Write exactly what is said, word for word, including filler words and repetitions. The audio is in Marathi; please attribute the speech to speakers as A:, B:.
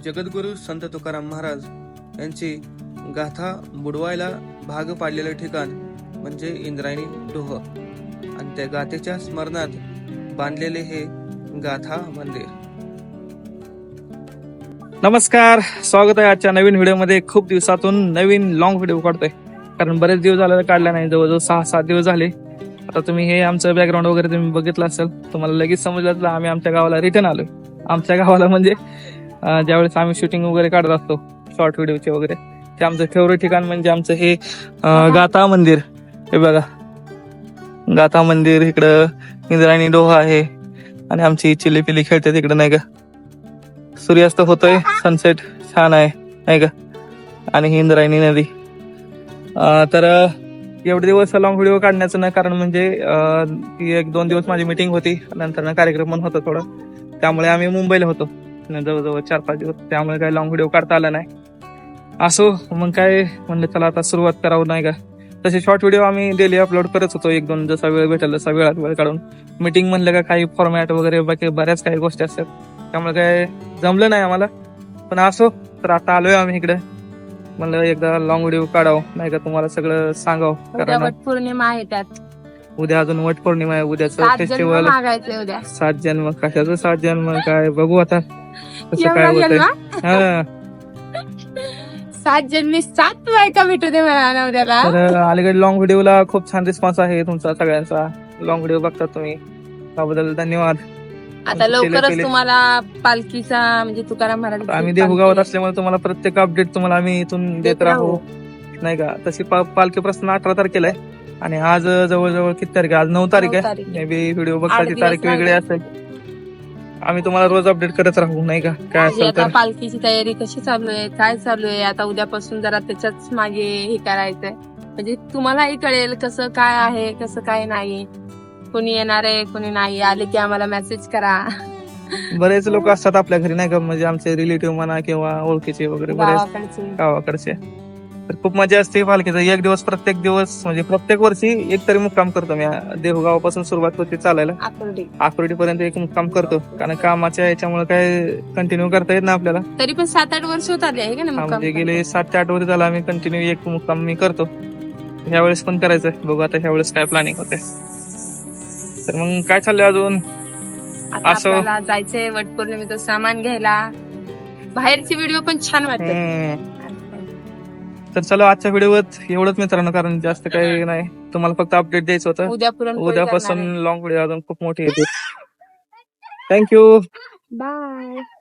A: जगद्गुरू संत तुकाराम महाराज यांची गाथा बुडवायला भाग पाडलेलं ठिकाण म्हणजे इंद्रायणी डोह आणि त्या गाथेच्या स्मरणात बांधलेले हे गाथा मंदिर. नमस्कार, स्वागत आहे आजच्या नवीन व्हिडिओमध्ये. खूप दिवसातून नवीन लॉंग व्हिडिओ काढतोय कारण बरेच दिवस झाले काढला नाही, जवळजवळ सहा सात दिवस झाले. आता तुम्ही हे आमचं बॅकग्राऊंड वगैरे तुम्ही बघितलं असेल, तुम्हाला लगेच समजलं आम्ही आमच्या गावाला रिटर्न आलोय. आमच्या गावाला म्हणजे ज्यावेळेस आम्ही शूटिंग वगैरे काढत असतो शॉर्ट व्हिडिओचे वगैरे, ते आमचं फेवरेट ठिकाण म्हणजे आमचं हे गाथा मंदिर. हे बघा गाथा मंदिर, इकडं इंद्रायणी डोह आहे आणि आमची चिल्ली पिल्ली खेळते तिकडं नाही का. सूर्यास्त होतोय, सनसेट छान आहे नाही का. आणि ही इंद्रायणी नदी. तर एवढे दिवस लॉंग व्हिडिओ काढण्याचं ना कारण म्हणजे एक दोन दिवस माझी मीटिंग होती, नंतर ना कार्यक्रम पण होता थोडं, त्यामुळे आम्ही मुंबईला होतो जवळजवळ चार पाच दिवस, त्यामुळे काही लॉंग व्हिडिओ काढता आला नाही. असो मग काय म्हणलं चला आता सुरुवात करावं नाही का. तसे शॉर्ट व्हिडिओ आम्ही डेली अपलोड करत होतो, एक दोन जसा वेळ भेटेल तसा वेळात वेळ काढून. मीटिंग म्हणलं का काही फॉर्मॅट वगैरे बाकी बऱ्याच काही गोष्टी असतात, त्यामुळे काय जमलं नाही आम्हाला. पण असो, तर आता आलोय आम्ही इकडे, म्हणलं एकदा लॉंग व्हिडिओ काढावं नाही का, तुम्हाला सगळं सांगावं. कारण
B: पौर्णिमा आहे, त्यात
A: उद्या अजून वट पौर्णिमा आहे, उद्याचं फेस्टिवल. सात जन्म कशाचं सात जन्म काय बघू आता कसं काय होतंय. हा
B: सात जन्मी सात बायका भेटू दे मला उद्याला.
A: तर अलीकडे लॉंग व्हिडिओला खूप छान रिस्पॉन्स आहे तुमचा सगळ्यांचा. लॉंग व्हिडिओ बघता तुम्ही, त्याबद्दल धन्यवाद.
B: आता लवकरच तुम्हाला पालखीचा म्हणजे तुकाराम महाराज,
A: आम्ही देहूगावात असल्यामुळे तुम्हाला प्रत्येक अपडेट तुम्हाला आम्ही इथून देत राहू नाही का. तशी पालखी प्रस्थान अठरा तारखेला आहे आणि आज जवळजवळ किती तारीख आहे, आज नऊ तारीख आहे. मे बी व्हिडिओ बघता ती तारीख वेगळी असेल. आम्ही तुम्हाला रोज अपडेट करत राहू नाही का. काय असेल तर
B: पालखीची तयारी कशी चालू आहे, काय चालू आहे, आता उद्यापासून जरा त्याच्याच मागे हे करायचंय, म्हणजे तुम्हालाही कळेल कसं काय आहे कसं काय नाही. कोणी येणार आहे कोणी नाही, आले की आम्हाला मेसेज करा.
A: बरेच लोक असतात आपल्या घरी नाही का, म्हणजे आमचे रिलेटिव्ह म्हणा किंवा ओळखीचे वगैरे बरेच गावाकडचे. तर खूप मजा असते पालखीचा. एक दिवस प्रत्येक दिवस म्हणजे प्रत्येक वर्षी एक तरी मुक्काम करतो मी. देहूगावापासून सुरुवात होती चालायला आकुर्डी पर्यंत एक मुक्काम करतो, कारण कामाच्या याच्यामुळे काय कंटिन्यू करता येत ना आपल्याला.
B: तरी पण सात आठ वर्ष होत आले आहे का,
A: म्हणजे गेले सात ते आठ वर्ष झाला आम्ही कंटिन्यू एक मुक्काम मी करतो. ह्या वेळेस पण करायचंय, बघू आता ह्या वेळेस काय प्लॅनिंग होते. तर मग काय चाललंय अजून.
B: असं जायचंय वटपौर्णिमेचं सामान घ्यायला. बाहेरची व्हिडिओ पण छान वाटते.
A: तर चला आजच्या व्हिडिओत एवढंच मित्रांनो, कारण जास्त काही नाही, तुम्हाला फक्त अपडेट द्यायचं होतं. उद्यापासून लॉंग व्हिडिओ अजून खूप मोठी येते. Thank you,
B: bye.